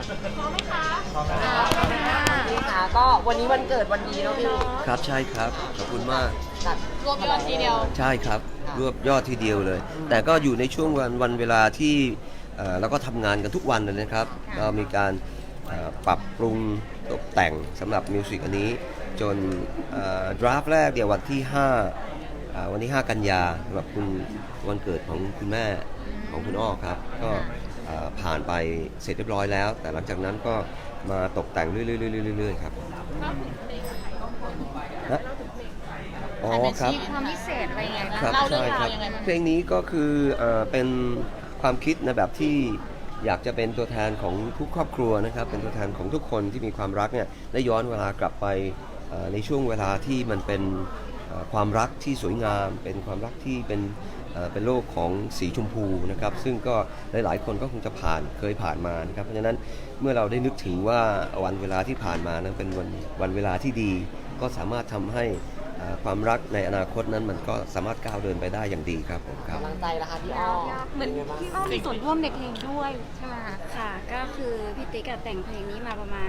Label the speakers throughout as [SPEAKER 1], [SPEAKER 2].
[SPEAKER 1] พร้อมไหมคะพร้อม
[SPEAKER 2] พี่คะก็วันนี้วันเกิดวันดีเนาะพี่
[SPEAKER 3] ครับใช่ครับขอบคุณมาก
[SPEAKER 2] จัด
[SPEAKER 1] รวมยอดทีเดียว
[SPEAKER 3] ใช่ครับรวบยอดทีเดียวเลย แต่ก็อยู่ในช่วงวันเวลาที่เราก็ทำงานกันทุกวันเลยนะครับก็มีการปรับปรุงตกแต่งสำหรับมิวสิกอันนี้จนดราฟแรกเดี๋ยววันที่วันที่ 5 กันยาสำหรับคุณวันเกิดของคุณแม่ของคุณอ้อครับก็ผ่านไปเสร็จเรียบร้อยแล้ว แต่หลังจากนั้นก็มาตกแต่งเรื่อยๆครับฮะอ๋อครับ
[SPEAKER 1] มีความพิเศษอะไรยังไงบ้าง
[SPEAKER 3] ครับ
[SPEAKER 1] เล่าเรื่อ
[SPEAKER 3] ใช่
[SPEAKER 1] ง
[SPEAKER 3] ค
[SPEAKER 1] รา
[SPEAKER 3] รั
[SPEAKER 1] ว
[SPEAKER 3] บ
[SPEAKER 1] ยังไงบ้าง
[SPEAKER 3] เพลงนี้ก็คือเป็นความคิดในแบบที่อยากจะเป็นตัวแทนของทุกครอบครัวนะครับเป็นตัวแทนของทุกคนที่มีความรักเนี่ยได้ย้อนเวลากลับไปในช่วงเวลาที่มันเป็นความรักที่สวยงาม เป็นความรักที่เป็นโลกของสีชมพูนะครับซึ่งก็หลายๆคนก็คงจะเคยผ่านมานะครับเพราะฉะนั้นเมื่อเราได้นึกถึงว่าวันเวลาที่ผ่านมานั้นเป็นวันเวลาที่ดีก็สามารถทำให้ความรักในอนาคตนั้นมันก็สามารถก้าวเดินไปได้อย่างดีครับผมครับ
[SPEAKER 2] กำลังใจละคะพี่อ้อ
[SPEAKER 1] เหมือนพี่อ้อมีส่วนร่วมในเพลงด้วยใช่ไหมคะ
[SPEAKER 4] ค่ะก็คือพี่ติ๊กอะแต่งเพลงนี้มาประมาณ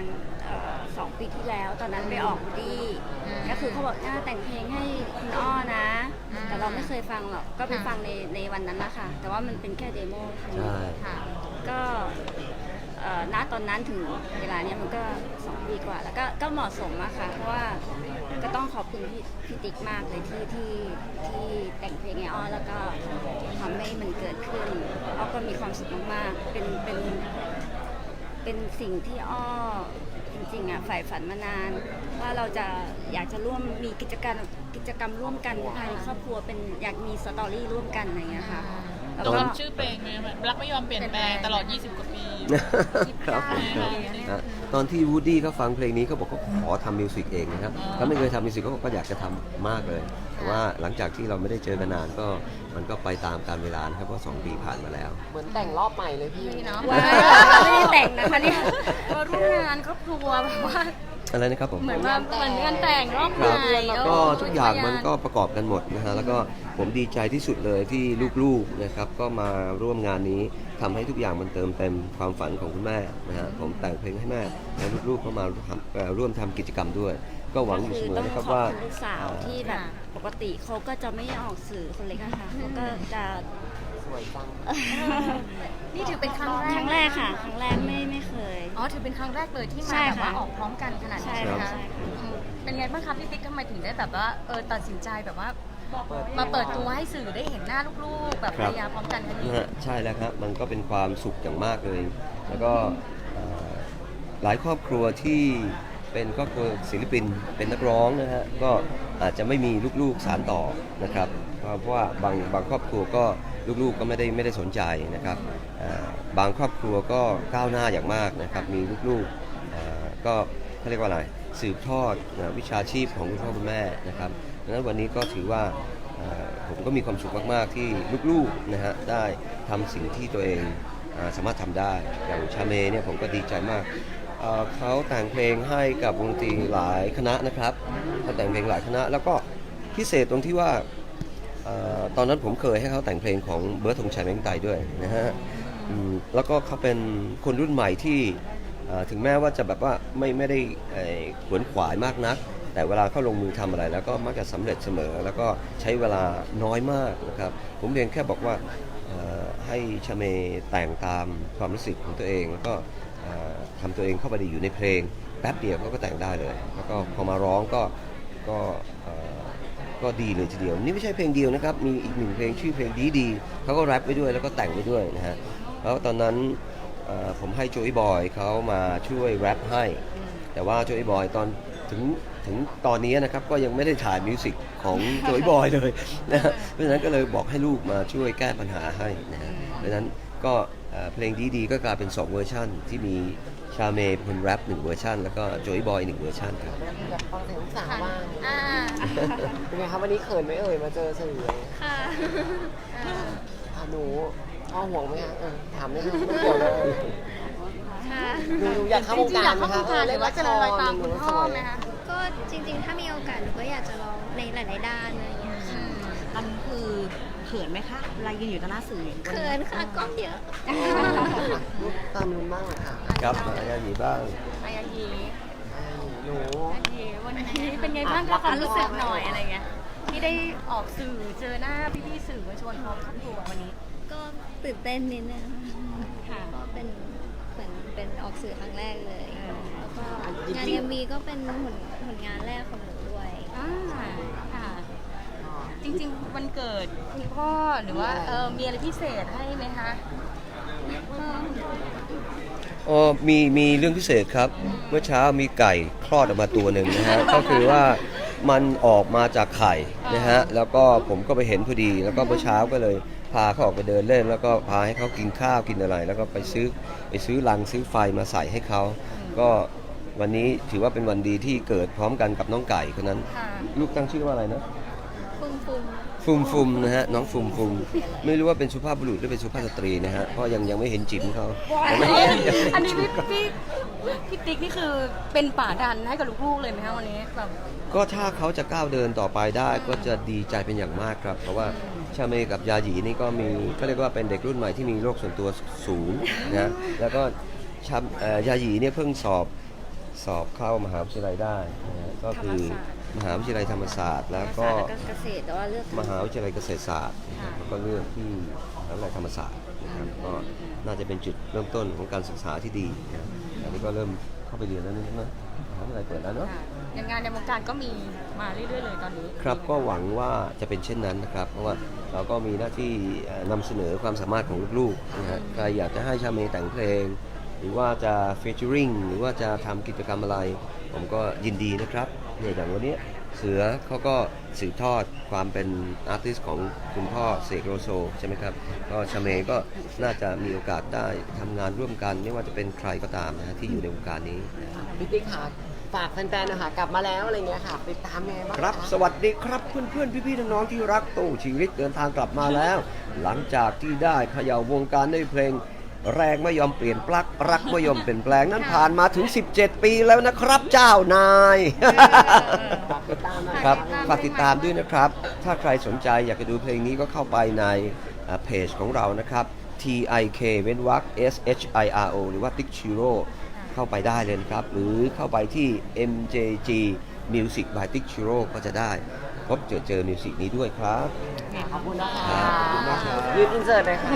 [SPEAKER 4] 2 ปีที่แล้ว ตอนนั้นไปออกวูดดี้ก็คือเขาบอกแต่งเพลงให้คุณอ้อนะ แต่เราไม่เคยฟังหรอกก็ไปฟังในวันนั้นนะคะแต่ว่ามันเป็นแค่เดโมค่ะ
[SPEAKER 3] ใช่
[SPEAKER 1] ค่ะ
[SPEAKER 4] ก็ณตอนนั้นถึงเวลาเนี้ยมันก็2 ปีกว่าแล้วก็เหมาะสมอะค่ะเพราะว่าก็ต้องขอบคุณพี่ติ๊กมากเลยที่แต่งเพลงให้อ้อแล้วก็ทำให้มันเกิดขึ้นอ้อก็มีความสุขมากๆเป็นสิ่งที่อ้อจริงๆอ่ะใฝ่ฝันมานาน ว่าเราจะอยากจะร่วมมีกิจกรรมร่วมกันภายในครอบครัวเป็นอยากมีสตอรี่ร่วมกันอะไรอย่างเงี้ยค่ะแล้ว
[SPEAKER 1] ตอน
[SPEAKER 4] ก็
[SPEAKER 1] นั้นชื่อเพลงไหมรักไม่ยอมเปลี่ยนแปลงตลอด 20 กว่าปี
[SPEAKER 3] ครับผมครับตอนที่วูดดี้เขาฟังเพลงนี้เขาบอกเขาขอทำมิวสิกเองนะครับเขาไม่เคยทำมิวสิกเขาก็อยากจะทำมากเลย แต่ว่าหลังจากที่เราไม่ได้เจอกันนานก็มันก็ไปตามกาลเวลานะครับเพราะ2 ปีผ่านมาแล้ว
[SPEAKER 2] เหมือนแต่งรอบใหม่เลยพี่
[SPEAKER 1] เนาะ
[SPEAKER 4] ว้าวไม่ได้แต่งนะคะเนี่ย
[SPEAKER 1] มาร่วมงานครอบครัวแบบว่า
[SPEAKER 3] อะไรนะครับผม
[SPEAKER 1] เหมือนงานแต่งรอบ
[SPEAKER 3] ค
[SPEAKER 1] ให
[SPEAKER 3] รับ
[SPEAKER 1] ม่
[SPEAKER 3] ก็ทุกอย่างมันก็ประกอบกันหมดนะฮะแล้วก็ผมดีใจที่สุดเลยที่ลูกๆนะครับก็มาร่วมงานนี้ทำให้ทุกอย่างมันเติมเต็มความฝันของคุณแม่นะฮะผมแต่งเพลงให้แม่แล้วลูกๆก็มาร่วมทำกิจกรรมด้วย ก็หวังอยู่เสมอนะครับ
[SPEAKER 4] ขอบ
[SPEAKER 3] ว่า
[SPEAKER 4] คุณลูกสาวที่แบบปกติเขาก็จะไม่ออกสื่อคนเล็กอะค่ะเขาก็จะ
[SPEAKER 2] สวยจัง
[SPEAKER 1] นี่ถือเป็นครั้งแรก
[SPEAKER 4] ครั้งแรกค่ะครั้งแรกไม่เคย
[SPEAKER 1] อ๋อถือเป็นครั้งแรกเลยที่
[SPEAKER 4] ใช่
[SPEAKER 1] มาแบบ
[SPEAKER 4] ค่ะ
[SPEAKER 1] ว่าออกพร้อมกันขนาดนี้
[SPEAKER 4] ใช่
[SPEAKER 1] ใช่ไหม
[SPEAKER 4] ค่ะ
[SPEAKER 1] คะ
[SPEAKER 4] ใช่ค่ะ
[SPEAKER 1] เป็นไงบ้างคะพี่ติ๊กทำไมถึงได้แบบว่าตัดสินใจแบบว่ามาเปิดตัวให้สื่อได้เห็นหน้าลูกๆ แบบภรรยาพร้อมกันครั้งนี้
[SPEAKER 3] นะฮะใช่แล้วครับมันก็เป็นความสุขอย่างมากเลย แล้วก็หลายครอบครัวที่เป็นครอบครัวศิลปินเป็นนักร้องนะฮะก็อาจจะไม่มีลูกๆสานต่อนะครับเพราะว่าบางครอบครัวก็ลูกๆก็ไม่ได้สนใจนะครับบางครอบครัวก็ก้าวหน้าอย่างมากนะครับมีลูกๆก็เขาเรียกว่าอะไรสืบทอดวิชาชีพของคุณพ่อคุณแม่นะครับดังนั้นวันนี้ก็ถือว่าผมก็มีความสุขมากๆที่ลูกๆนะฮะได้ทำสิ่งที่ตัวเองสามารถทำได้อย่างชาเมเนี่ยผมก็ดีใจมากเขาแต่งเพลงให้กับวงดนตรีหลายคณะนะครับเขาแต่งเพลงหลายคณะแล้วก็พิเศษตรงที่ว่าตอนนั้นผมเคยให้เขาแต่งเพลงของเบิร์ดธงชัยแมงไตด้วยนะฮะแล้วก็เขาเป็นคนรุ่นใหม่ที่ถึงแม้ว่าจะแบบว่าไม่ได้ขวนขวายมากนักแต่เวลาเขาลงมือทำอะไรแล้วก็มักจะสำเร็จเสมอแล้วก็ใช้เวลาน้อยมากนะครับผมเพียงแค่บอกว่าให้ชาเมแต่งตามความรู้สึกของตัวเองแล้วก็ทำตัวเองเข้าไปอยู่ในเพลงแป๊บเดียวเขาก็แต่งได้เลยแล้วก็พอมาร้องก็ดีเลยทีเดียวนี่ไม่ใช่เพลงเดียวนะครับมีอีก1เพลงชื่อเพลงดีเขาก็แรปไปด้วยแล้วก็แต่งไปด้วยนะฮะแล้วตอนนั้นผมให้โจอี้บอยเขามาช่วยแรปให้แต่ว่าโจอี้บอยถึงตอนนี้นะครับก็ยังไม่ได้ถ่ายมิวสิกของโจอี้บอยเลยนะฮะเพราะฉะนั้นก็เลยบอกให้ลูกมาช่วยแก้ปัญหาให้นะฮะเพราะฉะนั้นก็เพลงดีก็กลายเป็น2เวอร์ชันที่มีชาเมย์เป็นคนแรป1เวอร์ชันแล้วก็โจอี้บอย1เวอร์ชันครับ
[SPEAKER 2] อยากฟังเสียงลูกสาวบ้าง
[SPEAKER 1] อ่า
[SPEAKER 2] เป็นไงคะวันนี้เขินไหมมาเจอสื่อ
[SPEAKER 4] ค่ะ
[SPEAKER 2] หนูพ่อห่วงไหมคะถามไม่รู้ไม่เกี่ยวเลย
[SPEAKER 4] ค่ะ
[SPEAKER 2] หนูอยากเข้าวงการไหมคะ
[SPEAKER 1] หรือว่าจะลอยตามคุณพ่อไหมคะ
[SPEAKER 4] ก็จริงๆ ถ้ามีโอกาสหนูก็อยากจะลองในหลายๆด้านอะไรอย่างเงี้ยค่ะ
[SPEAKER 1] มันคือ
[SPEAKER 5] ขินไหมคะเวลายืนอยู่ต่อหน้าสื่ออย่าง
[SPEAKER 4] เขินค่ะกล้องเยอะ
[SPEAKER 2] ลูกตามนู้นบ้างเหรอค่ะ
[SPEAKER 3] ครับมายาหยีบ้าง
[SPEAKER 1] มายายี
[SPEAKER 2] หนู
[SPEAKER 1] มายายีวันนี้เป็นไงบ้างคะความรู้สึกหน่อยอะไรเงี้ยที่ได้ออกสื่อเจอหน้าพี่ๆสื่อมวลชนพร้อมครอบครัววันนี้
[SPEAKER 4] ก็ตื่นเต้นนิดนึง
[SPEAKER 1] ค่ะ
[SPEAKER 4] ก็เป็นเหมือนเป็นออกสื่อครั้งแรกเลย แล้วก็
[SPEAKER 2] จริงๆ
[SPEAKER 4] งานเอ็มวีก็เป็นผลงานแรกของหนูด้วย
[SPEAKER 1] อ่าค่ะ จริงๆวันเกิดคุณพ่อหรือว่ามีอะไรพิเศษให้ไหมคะ
[SPEAKER 3] อ๋อมีเรื่องพิเศษครับ เมื่อเช้ามีไก่คลอดออกมาตัวหนึ่งนะฮะ ก็คือว่ามันออกมาจากไข่นะฮะ แล้วก็ผมก็ไปเห็นพอดี แล้วก็เมื่อเช้าก็เลยพาเขาออกไปเดินเล่น แล้วก็พาให้เขากินข้าวกินอะไร แล้วก็ไปซื้อรังซื้อไฟมาใส่ให้เขา ก็วันนี้ถือว่าเป็นวันดีที่เกิดพร้อมกันกับน้องไก่คนนั้น
[SPEAKER 1] ค่ะ
[SPEAKER 3] ลูกตั้งชื่อว่าอะไรนะ
[SPEAKER 4] ฟุมฟุม
[SPEAKER 3] ฟุมนะฮะน้องฟุมไม่รู้ว่าเป็นสุภาพบุรุษหรือเป็นสุภาพสตรีนะฮะเพราะยังไม่เห็นจิ๋มเขา
[SPEAKER 1] อันนี้พี่ติ๊กนี่คือเป็นป่าดันให้กับลูกๆเลยไหมคะวันนี้แบบ
[SPEAKER 3] ก็ถ้าเขาจะก้าวเดินต่อไปได้ก็จะดีใจเป็นอย่างมากครับ เพราะว่าชาเมกับยาหยีนี่ก็มีก็เรียกว่าเป็นเด็กรุ่นใหม่ที่มีโลกส่วนตัวสูงนะแล้วก็ยาหยีเนี่ยเพิ่งสอบเข้ามหาวิทยาลัยได้นะฮะก็คือมหาวิทยาลัยธรรมศาสตร์ แล้วก็
[SPEAKER 4] แล้วก็เกษตรแต่ว่าเลือก
[SPEAKER 3] มหาวิทยาลัยเกษตรศาสตร์นะครับแล้วก็เลือกที่มหาวิทยาลัยธรรมศาสตร์นะครับก็น่าจะเป็นจุดเริ่มต้นของการศึกษาที่ดีนะครับอันนี้ก็เริ่มเข้าไปเรียนแล้วนะมหาวิทยาลัยเปิดแล้วเนาะ
[SPEAKER 1] ค่ะอย่างงานในวงการก็มีมาเรื่อยๆเลยตอนนี้
[SPEAKER 3] ครับก็หวังว่าจะเป็นเช่นนั้นนะครับ เพราะว่าเราก็มีหน้าที่นำเสนอความสามารถของลูกๆนะฮะใครอยากจะให้ชาเมแต่งเพลง หรือว่าจะฟีเจอริงหรือว่าจะทำกิจกรรมอะไร ผมก็ยินดีนะครับเนี่ยอย่างวันนี้เสือเขาก็สืบทอดความเป็นอาร์ติสต์ของคุณพ่อเสกโลโซใช่ไหมครับก็ชาเมก็น่าจะมีโอกาสได้ทำงานร่วมกัน ไม่ว่าจะเป็นใครก็ตามนะฮะที่อยู่ในวงการนี้
[SPEAKER 2] พี่ติ๊กค่ะฝากแฟนๆนะคะกลับมาแล้วอะไรเงี้ยค่ะติดตามยังไงบ้างะ
[SPEAKER 3] ครับ สวัสดีครับเพื่อนๆ พี่ๆ น้องๆ ที่รักตู้ชีวิตเดินทางกลับมาแล้ว หลังจากที่ได้เขย่าวงการด้วยเพลงแรงไม่ยอมเปลี่ยนปลั๊กรักไม่ยอมเปลี่ยนแปลงนั้นผ่านมาถึง 17 ปีแล้วนะครับเจ้านาย
[SPEAKER 2] ฝากติดตามหน่อย
[SPEAKER 3] ครับฝากติดตามด้วยนะครับ ถ้าใครสนใจอยากจะดูเพลงนี้ก็เข้าไปในเพจของเรานะครับ TIK เว้นวรรค SHIRO หรือว่า Tik Shiro เข้าไปได้เลยนะครับ หรือเข้าไปที่ MJG Music by Tik Shiro ก็จะได้พบเจอมิวสิกนี้ด้วยครับ
[SPEAKER 2] ขอบคุณนะคะ
[SPEAKER 3] ครับขอบคุณมากครับ
[SPEAKER 2] ยืนอินเสิร์ตเลยค่ะ